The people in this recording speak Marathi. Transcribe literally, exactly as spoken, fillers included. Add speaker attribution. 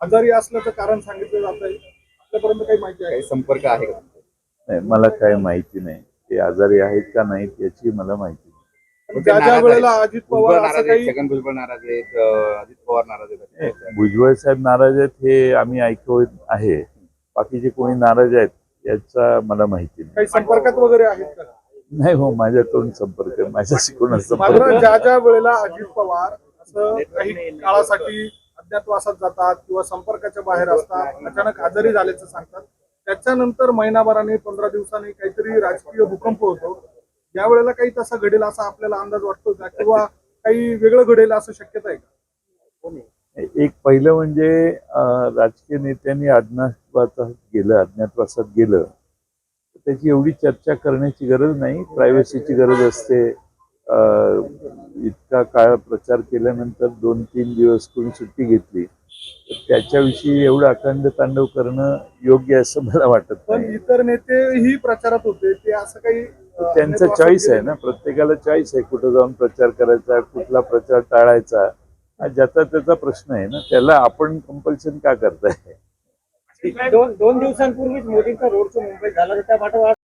Speaker 1: आजारी असल्याचं कारण सांगितलं जात आहे. आपल्यापर्यंत काही माहिती आहे?
Speaker 2: काही संपर्क आहे का?
Speaker 3: नाही, मला काही माहिती नाही. ते आजारी आहेत का नाहीत याची मला माहिती नाही.
Speaker 1: ज्या ज्या वेळेला अजित पवार
Speaker 2: भुजबळ
Speaker 1: असं
Speaker 2: नाराज आहेत,
Speaker 1: काही
Speaker 2: छगन भुजबळ नाराज आहेत, अं, अजित पवार नाराज आहेत.
Speaker 3: भुजबळ साहेब नाराज आहेत हे आम्ही ऐकत आहे. बाकीचे कोणी नाराज आहेत याचा मला माहिती नाही.
Speaker 1: काही संपर्कात वगैरे आहेत का?
Speaker 3: नाही हो, माझ्याकडून संपर्क आहे, माझ्याशी कोणाचा संपर्क
Speaker 1: मात्र
Speaker 3: नाही.
Speaker 1: ज्या ज्या वेळेला अजित पवार असं काही काळासाठी अज्ञातवासात जातात किंवा संपर्काच्या बाहेर असतात, अचानक आजारी झाल्याचं सांगतात, त्याच्यानंतर महिनाभराने पंधरा दिवसांनी काहीतरी राजकीय भूकंप होतो. या वेळेला काही तसा घडेल असा आपल्याला अंदाज वाटतो का, किंवा काही वेगळं घडेल असं शक्यता आहे का?
Speaker 3: एक पहिलं म्हणजे अं, राजकीय नेत्यांनी अज्ञातवासात गेलं अज्ञातवासात गेलं तर त्याची एवढी चर्चा करण्याची गरज नाही. प्रायव्हसीची गरज असते. अं, इतका काळ प्रचार केल्यानंतर दोन तीन दिवस कोणी सुट्टी घेतली तर त्याच्याविषयी एवढं अखंड तांडव करणं योग्य असं मला वाटत
Speaker 1: पण
Speaker 3: नाही.
Speaker 1: इतर नेतेही प्रचारात होते, ते असं काही अं,
Speaker 3: त्यांचा
Speaker 1: अज्ञातवासात
Speaker 3: चॉईस आहे
Speaker 1: गेले
Speaker 3: ना, प्रत्येकाला चॉईस आहे कुठं जाऊन प्रचार करायचा, कुठला प्रचार टाळायचा. हा ज्याचा त्याचा प्रश्न आहे ना, त्याला आपण कंपल्शन का करताय?
Speaker 4: दोन दोन दिवसांपूर्वीच मोदींचा रोड शो मुंबईत झाला, तर त्या पाठोपाठ